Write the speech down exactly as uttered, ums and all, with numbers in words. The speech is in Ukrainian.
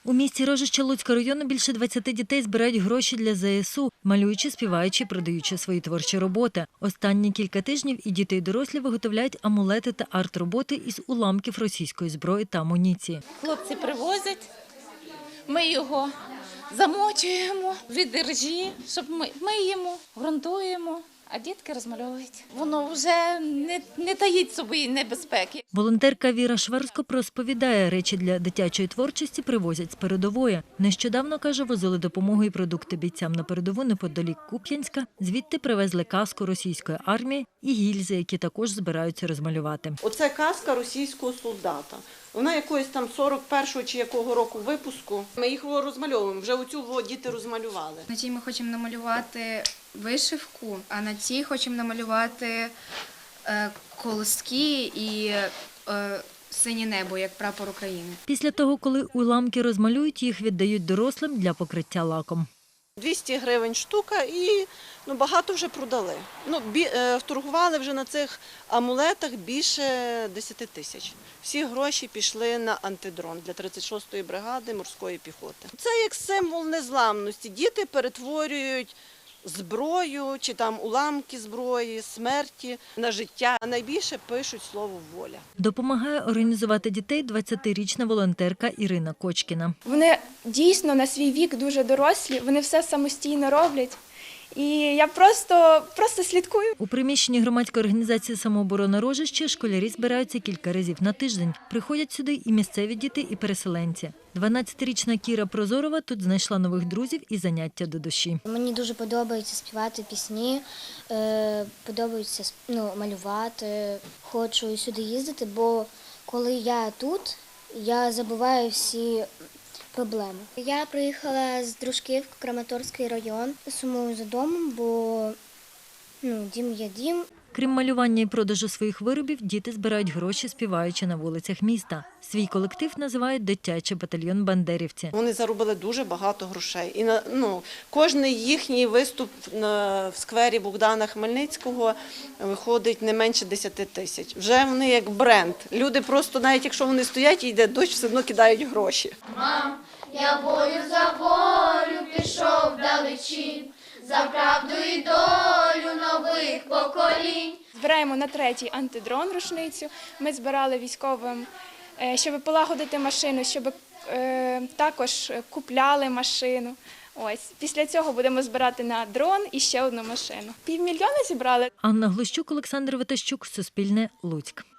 У місті Рожище Луцького району більше двадцяти дітей збирають гроші для зе ес у, малюючи, співаючи, продаючи свої творчі роботи. Останні кілька тижнів і діти, і дорослі виготовляють амулети та арт-роботи із уламків російської зброї та амуніції. Хлопці привозять, ми його замочуємо від іржі, щоб ми миємо, ґрунтуємо. А дітки розмальовують. Воно вже не, не таїть собі небезпеки. Волонтерка Віра Шверсько розповідає, речі для дитячої творчості привозять з передової. Нещодавно, каже, возили допомогу і продукти бійцям на передову неподалік Куп'янська. Звідти привезли каску російської армії і гільзи, які також збираються розмалювати. Оце каска російського солдата. Вона якоїсь там сорок першого чи якого року випуску. Ми їх розмальовуємо. Вже оцю діти розмалювали. На цій ми хочемо намалювати вишивку, а на цій хочемо намалювати е, колоски і е, синє небо, як прапор України. Після того, коли уламки розмалюють, їх віддають дорослим для покриття лаком. двісті гривень штука і ну, багато вже продали. Ну, бі, е, торгували вже на цих амулетах більше десяти тисяч. Всі гроші пішли на антидрон для тридцять шостої бригади морської піхоти. Це як символ незламності. Діти перетворюють зброю чи там уламки зброї, смерті на життя. А найбільше пишуть слово «воля». Допомагає організувати дітей двадцятирічна волонтерка Ірина Кочкіна. Вони дійсно на свій вік дуже дорослі, вони все самостійно роблять. І я просто, просто слідкую. У приміщенні громадської організації «Самооборона Рожище» школярі збираються кілька разів на тиждень. Приходять сюди і місцеві діти, і переселенці. дванадцятирічна Кіра Прозорова тут знайшла нових друзів і заняття до душі. Мені дуже подобається співати пісні, подобається ну, малювати. Хочу сюди їздити, бо коли я тут, я забуваю всі проблеми. Я приїхала з Дружківки, Краматорський район. Сумую за домом, бо ну, дім є дім. Крім малювання і продажу своїх виробів, діти збирають гроші, співаючи на вулицях міста. Свій колектив називають «Дитячий батальйон бандерівці». Вони заробили дуже багато грошей. І на, ну, кожний їхній виступ на, в сквері Богдана Хмельницького виходить не менше десяти тисяч. Вже вони як бренд. Люди просто, навіть якщо вони стоять і йде дощ, все одно кидають гроші. Мам, я бою за волю пішов вдалечінь, за правду і долю нових поколінь. Збираємо на третій антидрон рушницю. Ми збирали військовим, щоб полагодити машину, щоб е, також купляли машину. Ось. Після цього будемо збирати на дрон і ще одну машину. Півмільйона зібрали. Анна Глущук, Олександр Витащук, Суспільне, Луцьк.